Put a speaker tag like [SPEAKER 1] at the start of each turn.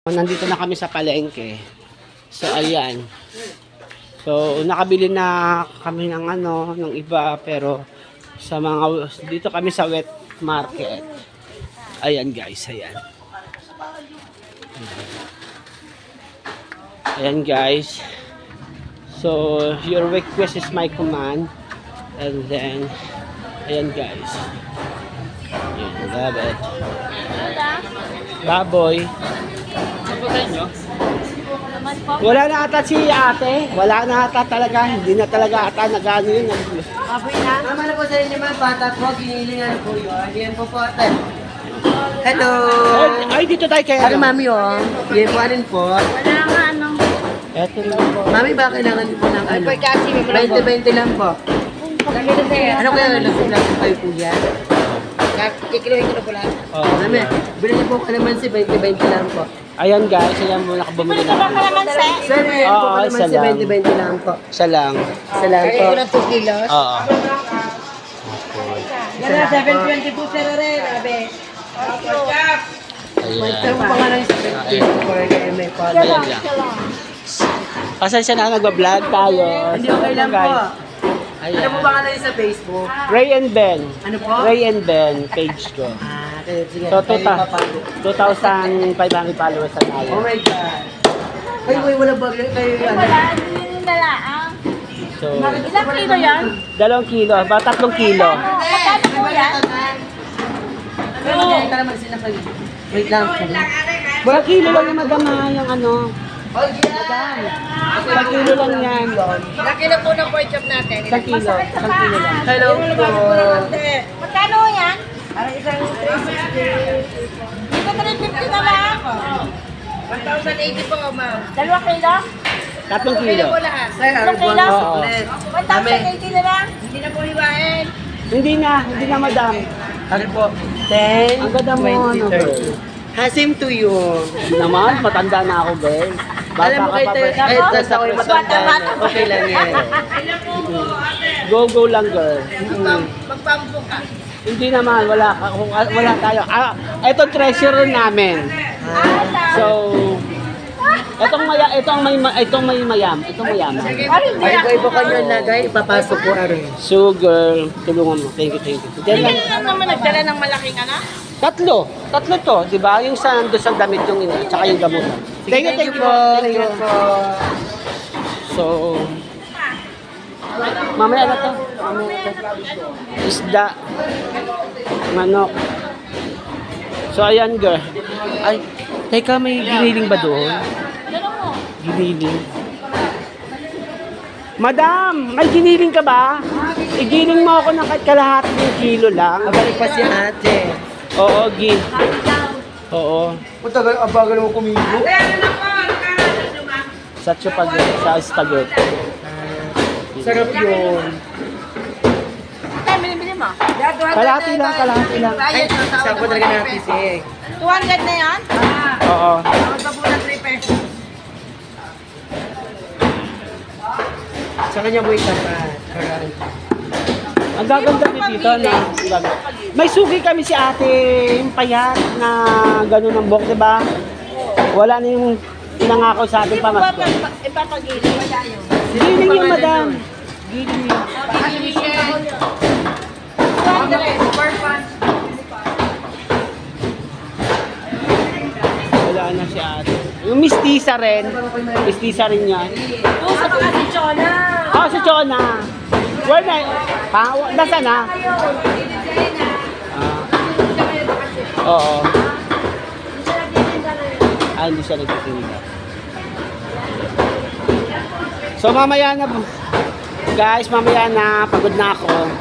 [SPEAKER 1] Nandito na kami sa palengke. So, ayan. So, nakabili na kami ng ng iba, pero sa mga, dito kami sa wet market. Ayan guys, ayan. Ayan guys. So, your request is my command. And then, ayan guys. Ayan, love it. Baboy. Wala na ata si ate. Wala na ata talaga. Hindi na talaga ata nag-ano yun.
[SPEAKER 2] Apoy na. Tama na po sa inyo mga bata po. Ginilingan po yun. Yan po po ate. Hello.
[SPEAKER 1] Ay, dito tayo kaya.
[SPEAKER 2] Ano mami oh. Yan po anin po.
[SPEAKER 3] Wala nga anong...
[SPEAKER 1] Eto lang po.
[SPEAKER 2] Mami ba kailangan niyo po ng ano? 20-20 lang po. Ano kaya lang kayo po yan? Kikiluhin ko na po lang.
[SPEAKER 1] Oh.
[SPEAKER 2] Mami, bilhin niyo po kalamansi 20-20 lang po.
[SPEAKER 1] Ayan guys, ayan muna nakabumili
[SPEAKER 3] Ito ba
[SPEAKER 1] na.
[SPEAKER 3] kalamansi?
[SPEAKER 2] Sir, bilhin po
[SPEAKER 1] Oo, isa
[SPEAKER 2] kalamansi
[SPEAKER 1] lang.
[SPEAKER 2] 20-20 lang po.
[SPEAKER 1] Isa lang.
[SPEAKER 2] Isa lang po.
[SPEAKER 3] Ito na 2 kilos.
[SPEAKER 1] Oo.
[SPEAKER 3] Gana 722 sir rin, abe.
[SPEAKER 2] Ito
[SPEAKER 1] Ayan.
[SPEAKER 2] po pangalan sa 50 for may po.
[SPEAKER 1] Ayan lang. Pasensya na nagbablog tayo.
[SPEAKER 2] Hindi okay lang po.
[SPEAKER 1] Ayan.
[SPEAKER 2] Ano po pangalan niyo sa Facebook?
[SPEAKER 1] Ray and Ben.
[SPEAKER 2] Ano po?
[SPEAKER 1] Ray and Ben page ko.
[SPEAKER 2] Sige.
[SPEAKER 1] So,
[SPEAKER 2] Kayo mapalo.
[SPEAKER 1] 2,500 followers na tayo.
[SPEAKER 2] Oh my God. Ay, wala ba kayo yan?
[SPEAKER 3] Wala, yun na lang.
[SPEAKER 1] So,
[SPEAKER 3] Ilang kilo yan?
[SPEAKER 1] 2 kilo, ba 3 kilo.
[SPEAKER 3] Magkano po yan?
[SPEAKER 2] Pero magkano ka naman sila kayo? Wait lang.
[SPEAKER 1] 2 kilo lang yung madama yung ano. Madam. 1 kilo lang yan.
[SPEAKER 3] Nakilo po ng pork chop natin.
[SPEAKER 1] 1 kilo. 1 kilo lang.
[SPEAKER 2] Hello po.
[SPEAKER 3] Magkano yan? Parang isang 360. Dito 350 na lang. 1,080 po, ma'am. 2 kilo?
[SPEAKER 1] 3 kilo.
[SPEAKER 2] Sir, ano po ang
[SPEAKER 1] Oo.
[SPEAKER 2] suklet?
[SPEAKER 3] 1,080 na lang. Hindi na po hiwain.
[SPEAKER 1] Hindi na madam.
[SPEAKER 2] Ano po? 10,
[SPEAKER 1] Ang ganda mo,
[SPEAKER 2] 20, 30. Hasim to you.
[SPEAKER 1] Hindi naman, matanda na ako, girl. Bata
[SPEAKER 2] Alam mo
[SPEAKER 1] ka
[SPEAKER 2] kayo,
[SPEAKER 1] pa,
[SPEAKER 2] kahit
[SPEAKER 1] girl.
[SPEAKER 2] nasa ako yung matanda na. Okay lang yan.
[SPEAKER 1] Go lang, girl.
[SPEAKER 3] Magpampo ka.
[SPEAKER 1] Hindi naman, wala tayo. Ito treasure namin. So, itong may mayam.
[SPEAKER 2] Ay, po kanyo lagay, ipapasok po aron.
[SPEAKER 1] So, girl, tulungan mo. Thank you. Diyan lang.
[SPEAKER 3] Hindi lang naman nagdala ng malaking ano?
[SPEAKER 1] Tatlo to, di ba? Yung sa damit yung ina, tsaka yung gamot. Thank you po. Thank you. So, mamaya na to. Isda. Manok. So, ayan, girl. Ay, teka, may giniling ba doon? Giniling. Madam, may giniling ka ba? Igiling mo ako ng kalahati ng kilo lang.
[SPEAKER 2] Abalik pa si ate.
[SPEAKER 1] Oo, Oo.
[SPEAKER 2] Matagal, abagal mo kumibo.
[SPEAKER 1] Sa spaghetti.
[SPEAKER 2] Sarap yun.
[SPEAKER 3] Ay, binibili mo?
[SPEAKER 1] Kalahati lang.
[SPEAKER 2] Ay, sarap po talaga natin si
[SPEAKER 3] 200 na yan?
[SPEAKER 1] Oo.
[SPEAKER 3] Magbabu ng 3 pesos.
[SPEAKER 2] Sa kanya mo itapat.
[SPEAKER 1] Ang gaganda dito na. May sugi kami si ate, yung payat na gano'n ng buhok, di ba? Wala na yung pinangako sa ating pamasko.
[SPEAKER 3] Ipapagili.
[SPEAKER 1] Giling yung madam. Giling yun. Wala na si ate. Yung mistisa rin. Mistisa rin yan.
[SPEAKER 3] Sa mga si Chona.
[SPEAKER 1] Oh, si Chona. Where na? Nasa na? Oo. Hindi siya nagtitinda. So mamaya na po. Guys, mamaya na. Pagod na ako.